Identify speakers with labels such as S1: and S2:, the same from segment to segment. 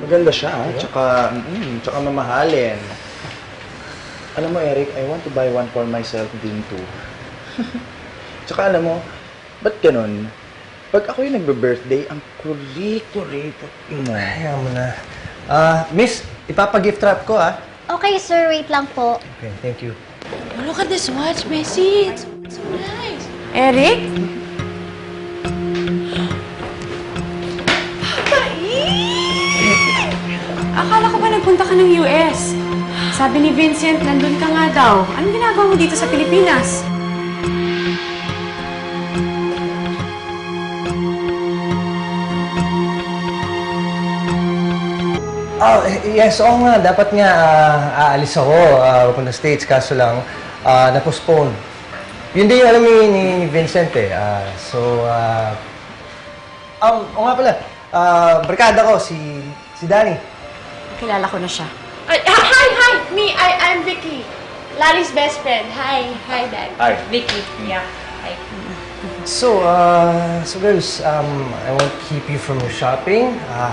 S1: Maganda siya, ha? Tsaka mamahalin. Alam mo, Eric, I want to buy one for myself din too. Tsaka alam mo, ba't ganun? Pag ako yung nagbe-birthday, ang kulit-kulit mo.
S2: Ayaw mo na. Miss, ipapa-gift wrap ko, ah.
S3: Okay, sir. Wait lang po.
S2: Okay, thank you.
S4: Oh, look at this watch, Messi. It's so nice. Eric? Akala ko ba nagpunta ka ng US? Sabi ni Vincent, nandun ka nga daw. Anong ginagawa mo dito sa Pilipinas?
S2: Oh, yes, oo nga. Dapat nga aalis ako papunta States. Kaso lang, na-postpone. Yun din yung alam ni Vincent eh. Oo nga pala. Barkada ko, si Danny.
S4: Kilala ko na siya.
S5: Hi! I'm Vicky. Lali's best friend. Hi, Dad.
S1: Hi.
S5: Vicky. Yeah. Hi.
S2: So girls, I won't keep you from your shopping.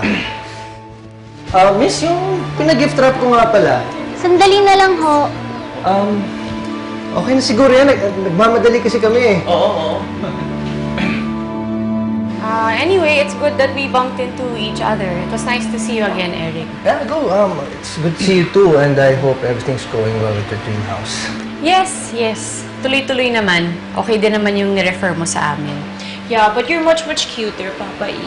S2: Miss, yung pinag-gift wrap ko nga pala.
S3: Sandali na lang ho.
S2: Okay na siguro yan. Nagmamadali kasi kami eh.
S1: Oo.
S4: Anyway, it's good that we bumped into each other. It was nice to see you again, Eric.
S2: Yeah, go. It's good to see you too, and I hope everything's going well with the dream house.
S4: Yes. Tuloy-tuloy naman. Okay din naman yung nirefer mo sa amin.
S5: Yeah, but you're much cuter, Papa E.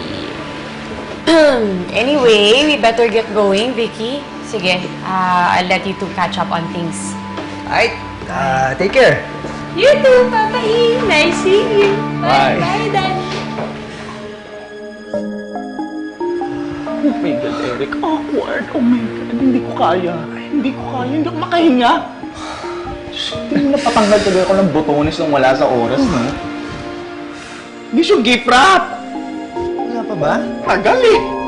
S4: Anyway, we better get going, Vicky. Sige, I'll let you two catch up on things.
S2: Alright, take care.
S5: You too, Papa E. Nice seeing you.
S1: Bye.
S5: Bye, Daddy.
S1: Oh my God, Eric. Awkward. Oh my God. Hindi ko kaya. Hindi ako makahinga. Hindi mo napatanggal tuloy ako ng botones nung wala sa oras, no? Hindi siya gift wrap.
S2: Wala pa ba?
S1: Tagal eh.